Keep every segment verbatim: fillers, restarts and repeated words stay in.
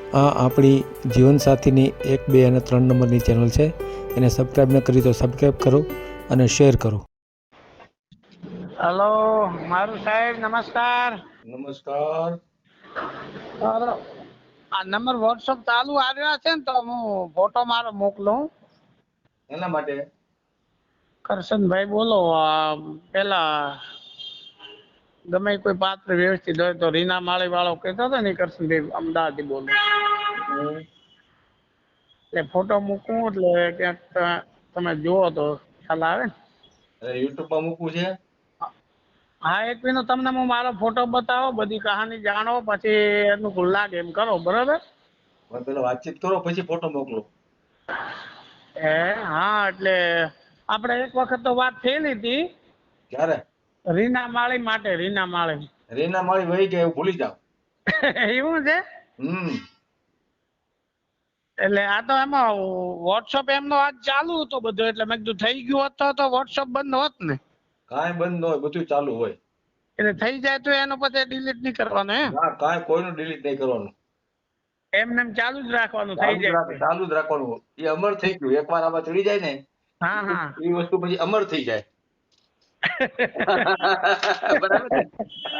આ આપણી જીવનસાથીની એક બે અને ત્રણ નંબરની ચેનલ છે. એને સબસ્ક્રાઈબ ન કરી તો સબસ્ક્રાઈબ કરો અને શેર કરો. હલો મારું સાહેબ નમસ્કાર. નમસ્કાર. મારો આ નંબર વોટ્સઅપ ચાલુ આવ્યા છે ને તો હું ફોટો મારો મોકલું. એના માટે કરશનભાઈ બોલો. આ પેલા ગમે કોઈ પાત્ર વ્યવસ્થિત હોય તો રીના માળી વાળો કહેતો હતો ને કરશનભાઈ અમદાવાદથી બોલું. એટલે ફોટો મૂકું એટલે ક્યાંક તમે જુઓ તો ખ્યાલ આવે ને. યુટ્યુબ માં મૂકવું છે. હા એક મિનિટ તમને હું મારો ફોટો બતાવો, બધી કહાની જાણો, પછી અનુકૂળ લાગે એમ કરો. બરોબર પેલા વાતચીત કરો પછી ફોટો મોકલો. હે હા એટલે આપણે એક વખત તો વાત થયેલી હતી. ક્યારે? રીના માળી માટે. રીના માળી રીના માળી વહી ગયા એવું ભૂલી જાવ. એવું છે. હમ એટલે આ તો એમાં વોટ્સઅપ એમનો આજ ચાલુ હતો બધું, એટલે મેં કીધું થઈ ગયું હોત તો વોટ્સઅપ બંધ હોત ને. કાંઈ બંધ ન હોય, બધું ચાલુ હોય. એટલે થઈ જાય તો એનો પછી ડિલીટ નહીં કરવાનું એમ? ના કાંઈ કોઈનું ડિલીટ નહીં કરવાનું. એમને એમ ચાલુ જ રાખવાનું. થઈ ચાલુ જ જાય રાખ ચાલુ જ રાખવાનું. એ અમર થઈ ગયું. એકવાર આમાં ચડી જાય ને હા હા એ વસ્તુ પછી અમર થઈ જાય. બરાબર ને?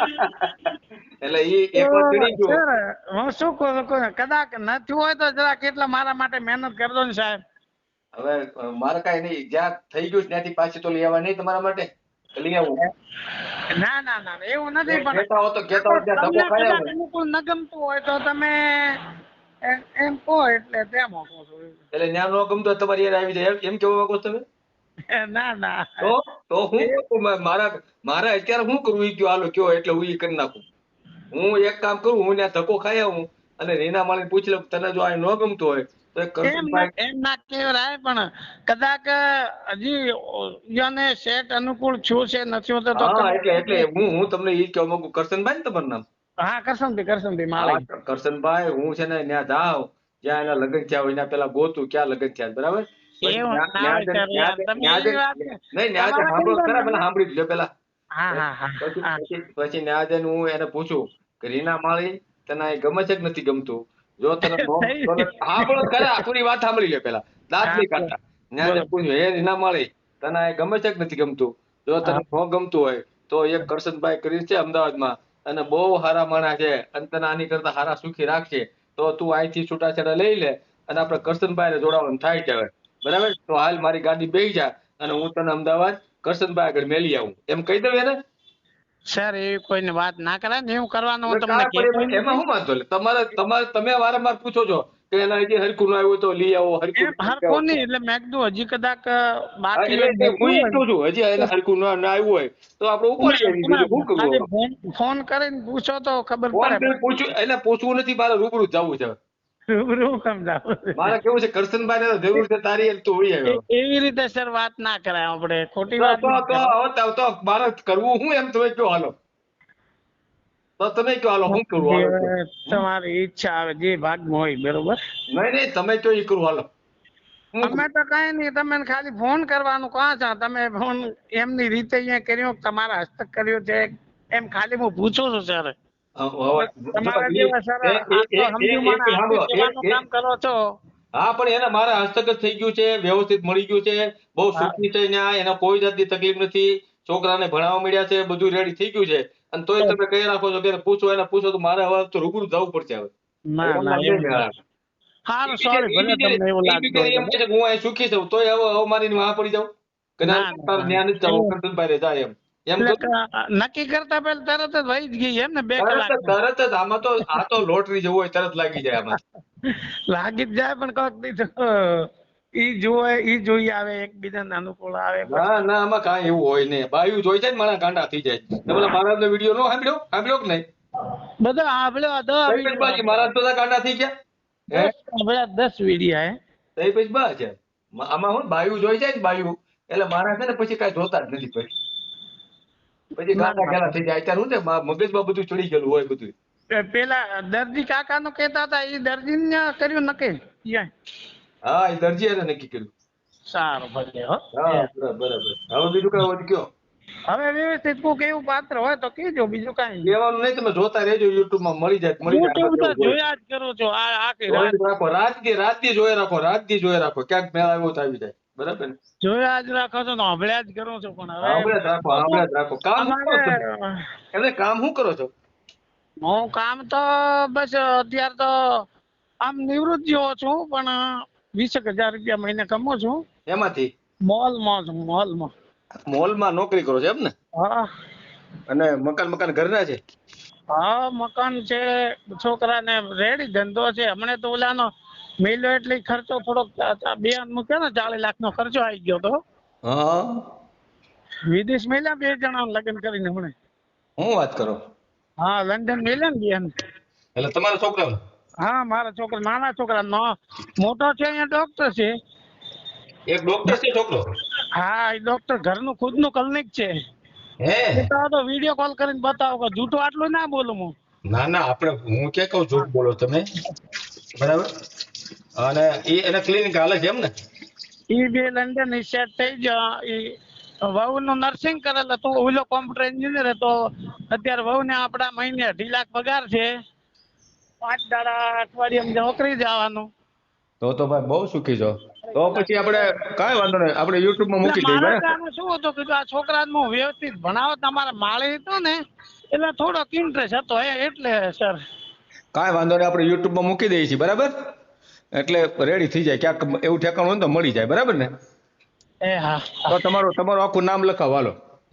એટલે એ એકવાર ચડી ગયું. સર હું શું કહું છું, કદાચ નથી હોય તો જરા કેટલા મારા માટે મહેનત કરજો ને સાહેબ. હવે મારે કાંઈ નહીં, જ્યાં થઈ ગયું છે ત્યાંથી પાછી તો લઈ આવવા નહીં તમારા માટે. લઈ આવું. ના ના ના એવું નથી, પણ કહેતા હો તો કહેતા હો ત્યાં ધક્કો તમને ખાઈ કદાચ આવું. અનુકૂળ ન ગમતું હોય તો તમે એમ એમ કહો એટલે તેમ કહું છું. એટલે ન્યા નો ગમતો હોય તમારી યાર આવી જાય એમ- એમ કેવા માંગો છો તમે? ના ના તો તો હું કરું? મા- મારા મારે અત્યારે શું કરવું ઈ કયો, હાલો કયો એટલે હું ઈ કરી નાખું. હું એક કામ કરું, હું ત્યાં ધક્કો ખાઈ આવું અને રીના માળીને પૂછી લઉં તને જો આ ન ગમતું હોય તો એક એમ કરશનભાઈ. એમ ના કહેવાય, પણ કદાચ હજી યાને સેટ અનુકૂળ છું છે નથી હોતો તો હા તમે- એટલે એટલે હું હું તમને ઈ કહેવા માંગુ. કરશનભાઈ ને તમારું નામ? હા કરશનભાઈ કરશનભાઈ હા માળી. કરશનભાઈ, હું છે ને ત્યાં જાઉં જ્યાં એના લગ્ન થયા હોય એના પેલા ગોતું ક્યાં લગ્ન થયા. બરાબર? પછી એવું ન્યા- ના ન્યા હોય જઈને- સર ન્યા યાર, જઈને- તમે ન્યા એવી જઈને- વાત નહીં ન્યા જઈને તમારા સાંભળો કેમ ખરા, બને? પેલા સાંભળી લ્યો પેલા. હા હા હા પછી હા પછી પછી ન્યા જઈને હું એને પૂછું કે રીના માળી તને આ ગમે છે કે નથી ગમતું? જો તને નો તને સાંભળો તો ખરા, પૂરી વાત સાંભળી લે પેલા. દાંત નહીં હા, કાઢતા. ન્યા જઈને બોલો. પૂછ્યું, હે રીના માળી તને આ ગમે છે કે નથી ગમતું? જો તને હા. ન ગમતું હોય તો એક કરશનભાઈ કરી છે અમદાવાદમાં અને બહુ સારા માણસ છે અને તને આની કરતા સારા સુખી રાખશે તો તું અહીંથી છૂટાછેડા લઈ લે અને આપણે કરશનભાઈને જોડાવાનું થાય છે. હવે બરાબર? તો હાલ મારી ગાડી બેસી જા અને હું તને અમદાવાદ કરશનભાઈ આગળ મેલી આવું. એમ કહી દઉં એને? સર એવી કોઈને વાત ના કરાય ને, એવું કરવાનું હું એટલે તમને કાંઈ કહેતો પણ એમાં એમાં નથી. શું વાંધો લે? તમારે તમારે તમે વારંવાર પૂછો છો કે એના હજી હરખું ન આવ્યું તો લઈ આવો, હરખું એમ ન આવ્યું તો હરખું લઈ નહીં, આવો. એટલે મેં કીધું હજી કદાચ હા, બાકી એટલે હોય, એટલે હું બચ્યું ઈ હોય કહું છું, હજી એને હરખું ન ન આવ્યું હોય તો આપણે તમે ઉપાડી આવીએ. તમે બીજું શું કરવું ખાલી હવે? ફોન ફોન કરીને પૂછો તો ખબર ફોન પડે. કરી પૂછ્યું એટલે પૂછવું નથી, મારે રૂબરૂ જ જવું છે. રૂબરૂ સમજાવો. મારે કેવું છે, કરશનભાઈ ને જરૂર છે તારી એટલે તું વળી આવ્યો. એ- એવી રીતે સર વાત ના કરાય, આપણે ખોટી તો વાત તો ના તો કરાય. હવે તો- તો મારે કરવું હું એમ તમે કયો હાલો. તો તમે કયો હાલો શું કરવું હાલો કયો. જે તમારી ઈચ્છા આવે, જે ભાગમાં હોય. બરોબર? નહીં નહીં તમે કયો ઈ કરવું હાલો. હું અમે તો કઈ નહીં, તમે ખાલી ફોન કરવાનું કહો છો. તમે ફોન એમની રીતે અહીંયા કર્યો, તમારા હસ્તક કર્યો છે એમ ખાલી હું પૂછું છું સર. હવે- હવે જો તમારા ઈ- જેવા સર એ- એ- આટલો એ- સમજુ એ- એક મને સાંભળો, આપી એક- દેવાનું એક- કામ કરો છો. હા પણ એને મારા હસ્તક જ થઈ ગયું છે, વ્યવસ્થિત મળી ગયું છે, બહુ હા. સુખી છે ન્યા, એને કોઈ જાતની તકલીફ નથી, છોકરાને ભણાવવા મળ્યા છે, બધું રેડી થઈ ગયું છે અને તોય તમે કહી રાખો છો કે એને પૂછો એને પૂછો તો મારે હવે તો રૂબરૂ જવું પડશે હવે. ના એમ ના નામ એમ નહીં મેળ આવે. સારું, ઈ સોરી, બિચારી- ભલે ઈ તમને એવું બિચારી- ઈ લાગતું બિચારી હોય એમ તો. કહે છે કે હું અહીં સુખી છું તોય હવે હવે મારી વાહ પડી જાઉં કે ના ના, ના, તારે ના. ન્યા નથી જવું, એવું- કરશનભાઈ રે જાય એમ એમ એટલે કરું. ક- નક્કી કરતા પહેલા તરત જ વહી જ ગઈ એમ ને, બે તરત કલાક જ તરત જ આમાં તો આ તો લોટરી જેવું હોય, તરત લાગી જાય આમાં. લાગી જ જાય, પણ કોક દી તો ઈ જોવે ઈ જોઈ આવે, એકબીજાને અનુકૂળ આવે ના પછી. ના આમાં કાંઈ એવું હોય નહીં. બાયું જોઈ જાય ને મારા ગાંડા થઈ જાય. તમે પેલા મહારાજનો વિડીયો નો સાંભળ્યો સાંભળ્યો કે નહીં? બધા સાંભળ્યો, દસ કઈ પછી વિડીયો બાકી મહારાજ બધા ગાંડા થઈ ગયા હે? દસ સાંભળ્યા, દસ વિડીયો હે. તઈ પછી બા છે. મ- આમાં હું બાયું જોઈ જાય ને બાયું એટલે મારા છે ને પછી કાંઈ જોતા જ નથી. પછી પછી ના, ગાંડા ના. ઘેલા થઈ જાય. અત્યારે હું છે મા- મગજમાં બધું ચડી ગયેલું હોય બધું. પે- પેલા દરજી કાકા નું કેતા હતા, ઈ દરજી ને કર્યું નક્કી. યા. હા એ દરજી એને નક્કી કર્યું. સારું ભલે હો. હા બરાબર બરાબર. હવે બીજું કઈ હોય તો કયો. હવે વ્યવસ્થિત કોક એવું પાત્ર હોય તો કહેજો, બીજું કાંઈ નહીં. કહેવાનું નહીં, તમે જોતા રહેજો યુટ્યુબ માં મળી જાય મળી જાય. YouTube તો આમાં કેવું હોય. જોયા જ કરો છો આ આખી જોઈ રાત. જ રાખો રાત દી રાત દી જોઈ રાખો રાત દી જોઈ રાખો ક્યાંક મેળ આવ્યો તો આવી જાય. બરાબર ને? જોયા જ રાખો છો ને હંભળ્યા જ કરો છો, પણ હવે સાંભળે જ રાખો સાંભળે જ રાખો. કામ શું કરો છો? અમારે એમને કામ શું કરો છો? હું કામ તો બસ અત્યારે તો આમ નિવૃત્ત જેવો છું, પણ વીસેક હજાર રૂપિયા મહિને કમાઉં છું. એમાંથી મોલમાં છું, મોલમાં. મોલમાં નોકરી કરો છો એમ ને? હા અને મકાન મકાન ઘરના છે? હા મકાન છે, છોકરાને રેડી ધંધો છે. હમણાં તો ઓલાનો મેલ્યો એટલે ખર્ચો થોડોક બે મૂક્યો ને ચાલીસ લાખ નો ખર્ચો આવી ગયો તો. હા વિદેશ મેલ્યા બે જણા લગ્ન કરીને હમણાં. હું વાત કરો? હા લંડન મેલ્યા ને બેન. એટલે તમારા છોકરા? હા મારા છોકરા, નાના છોકરા નો મોટો છે અહીંયા ડોક્ટર છે. એક ડોક્ટર છે છોકરો? હા એ ડોક્ટર ઘરનું ખુદનું ક્લિનિક છે. હે બતાવો તો વિડીયો કોલ કરીને બતાવો કે જૂઠું આટલું ના બોલું હું. ના ના આપણે હું ક્યાં કહું જૂઠ બોલો તમે. બરાબર. અને એ એના ક્લિનિક હાલે છે એમ ને? ઈ બે લંડન ની સેટ થઈ ગયા. ઈ વહુ નું નર્સિંગ કરેલ હતું, ઓલો કોમ્પ્યુટર એન્જિનિયર હતો. અત્યારે વહુ ને આપડા મહિને અઢી લાખ પગાર છે. પાંચ દાડા અઠવાડિયામાં નોકરી જવાનું. તો તો ભાઈ બહુ સુખી છો. તો પછી આપણે કાંઈ વાંધો નહીં, આપણે યુટ્યુબ માં મૂકી દઈએ. મારા બરાબર. કારણે શું હતું કીધું આ છોકરાને હું વ્યવસ્થિત ભણાવો, તમારા માળી હતો ને એટલે થોડોક ઇન્ટરેસ્ટ હતો એ એટલે સર. કાંઈ વાંધો નહીં, આપણે યુટ્યુબ માં મૂકી દઈએ છીએ. બરાબર. એટલે રેડી થઈ જાય, ક્યાંક એવું ઠેકાણું હોય ને તો મળી જાય. બરાબર ને? એ હા તો તમારું તમારું આખું નામ લખાવો હાલો.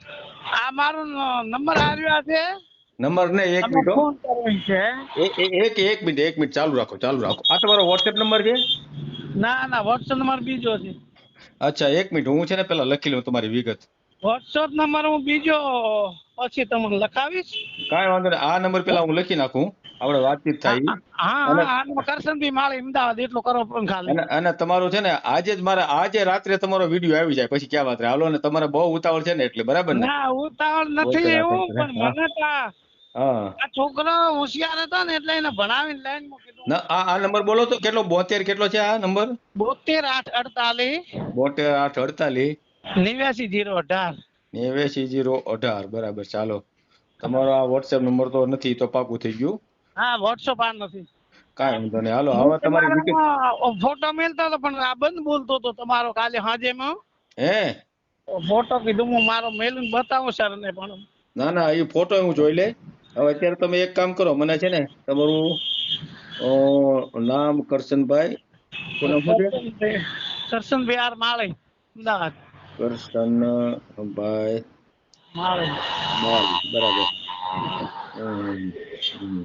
આ મારો નંબર આવ્યો છે, નંબર ને એક તમે મિનિટ હો. ફોન કરવો છે. એ- એ- એક એક મિનિટ એક મિનિટ ચાલુ રાખો ચાલુ રાખો. આ તમારો વોટ્સએપ નંબર છે? ના ના વોટ્સઅપ નંબર બીજો છે. અચ્છા એક મિનિટ હું છે ને પેલા લખી લઉં તમારી વિગત. વોટ્સઅપ નંબર હું બીજો પછી તમને લખાવીશ. કાંઈ વાંધો નહીં, આ નંબર પેલા હું લખી નાખું, આપણે વાતચીત થાય. હા અને- હા આનો કરશનભાઈ માળી અમદાવાદ એટલો કરો પણ ખાલી. અને અને તમારું છે ને આજે જ મારે આજે રાત્રે તમારો વિડીયો આવી જાય પછી ક્યાં વાત રહે. હાલો ને તમારે બહુ ઉતાવળ છે ને એટલે. બરાબર ને? ના ઉતાવળ નથી બોલતા એવું, રાખો. પણ મને તો આ હા આ છોકરો હોશિયાર હતો ને એટલે એને ભણાવીને લાઈન માં કીધું. ના આ આ નંબર બોલો તો કેટલો? બોતેર કેટલો છે આ નંબર? બોતેર આઠ અડતાલીસ બોતેર આઠ અડતાલીસ નેવ્યાસી જીરો અઢાર. નેવ્યાસી જીરો અઢાર. બરાબર ચાલો. તમારો આ વોટ્સએપ નંબર તો નથી તો પાકું થઈ ગયું. હા વોટ્સઅપ આ નથી. કાંઈ વાંધો નહીં હાલો હવે તમારી વિગત. તમારામાં ફોટો મેલતો હતો પણ આ બંધ બોલતો હતો તમારો કાલે સાંજે માં. હે ફોટો કીધું હું મારો મેલું બતાવું સર ને, પણ ના ના એ ફોટો હું જોઈ લે. હવે અત્યારે તમે એક કામ કરો, મને છે ને તમારું અ, નામ કરશનભાઈ, શું નામ શું છે? કરશન બિહાર માળી અમદાવાદ. કરશનભાઈ માળી માલ. બરાબર. હમ, હમ.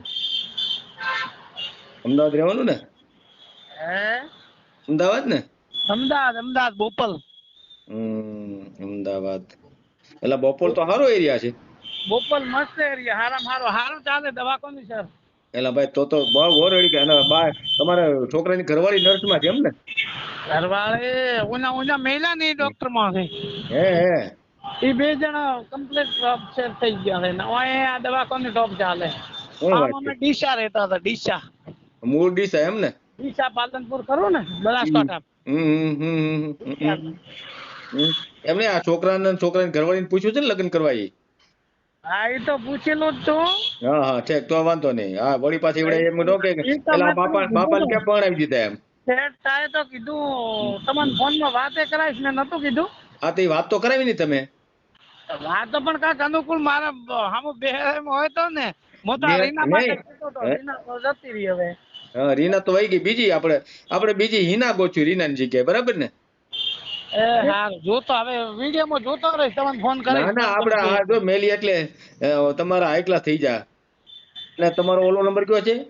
અમદાવાદ રહેવાનું ને? હે અમદાવાદ ને? અમદાવાદ અમદાવાદ બોપલ. હમ અમદાવાદ. એટલે બોપલ તો સારો એરિયા છે. બોપલ મસ્ત એરિયા, હારામ હારો હારું ચાલે દવાખાનું સર. એલા ભાઈ તો તો બહુ ઓરડી કે બા તમારા છોકરાની ઘરવાળી નર્સમાં છે એમ ને? ઘરવાળે ઉના ઉના મેલા ને ડોક્ટર માં છે. હે હે એ બે જણા કમ્પ્લીટ સેટ થઈ ગયા છે ને ઓય આ દવાખાનું ટોપ ચાલે. શું વાત આમાં અમે ડીસા રહેતા હતા, ડીસા મૂળ ડીસા એમ ને? ડીસા પાલનપુર ખરું ને બનાસકાંઠા. હમ હમ હમ હમ હમ હમ. હમ. એમને આ છોકરાને છોકરાની ઘરવાળીને પૂછ્યું છે ને લગ્ન કરવા એ? હા એ તો પૂછેલું જ તું. હા હા ઠીક તો વાંધો નહીં. હા વળી પાછી એવડે એમ ન કે ઈ તો પેલા મેં બાપા તમને બાપાને કીધું. ક્યાં પરણાવી દીધા એમ? સેટ થાય તો કીધું તમને ફોન માં વાતે કરાવીશ મેં નતું કીધું. આ તો ઈ વાત તો કરાવી ને તમે. વાતો પણ કાંઈક અનુકૂળ મારા હામું બે હોય તો ને હું તો આ બે- રીના માટે નહીં. કહેતો હતો. હે? રીના તો જતી રહી હવે. હા રીના તો વહી ગઈ. બીજી આપણે આપણે બીજી હિના ગોચ્યું રીનાની જગ્યાએ. બરાબર ને? એ હારું જોતો હવે વિડીયો માં જોતો રહીશ તમને ફોન ના કરીશ. ના આપણે આ જો મેલી એટલે અ, તમારા હાઈ ક્લાસ થઈ જા. અને તમારો ઓલો નંબર કયો છે?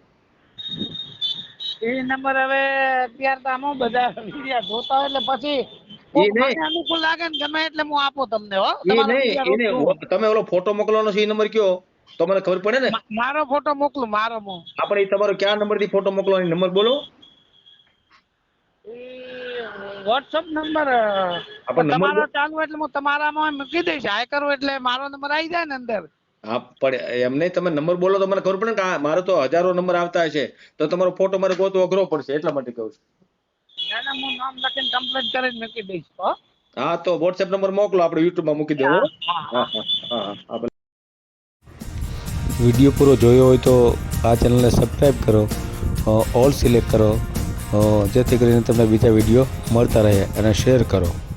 એ નંબર હવે અત્યારે તો આમાં બધા વિડીયો જોતા હોય એટલે પછી ઈ કોક નહીં. મને અનુકૂળ લાગે ને ગમે એટલે હું આપું તમને હો. એ તમારો નહીં વિડીયો એને રોકું. તમે ઓલો ફોટો મોકલવાનો છે એ નંબર કયો તો મને ખબર પડે ને. મા- મારો ફોટો મોકલું મારો મો આપણે ઈ તમારો કયા નંબર થી ફોટો મોકલવાનો નંબર બોલો. વોટ્સઅપ નંબર આપણે નંબર તમારો ચાલુ એટલે હું તમારામાં મૂકી દઈશ. હાય કરું એટલે મારો નંબર આવી જાય ને અંદર. હા પણ એમ નહીં તમે નંબર બોલો તો મને ખબર પડે ને કે આ મારો તો હજારો નંબર આવતા હશે તો તમારો ફોટો મારે ગોતવો અઘરો પડશે એટલા માટે કહું છું. એના હું નામ લખીને કમ્પ્લીટ કરીને મૂકી દઈશ હો. હા તો વોટ્સએપ નંબર મોકલો, આપણે યુટ્યુબમાં મૂકી દેવો. હા, હા, હા હા. હા હા હા ભલે. વિડીયો પૂરો જોયો હોય તો આ ચેનલને સબસ્ક્રાઈબ કરો, ઓલ સિલેક્ટ કરો, અ, જેથી કરીને તમને બીજા વિડીયો મળતા રહે, અને શેર કરો.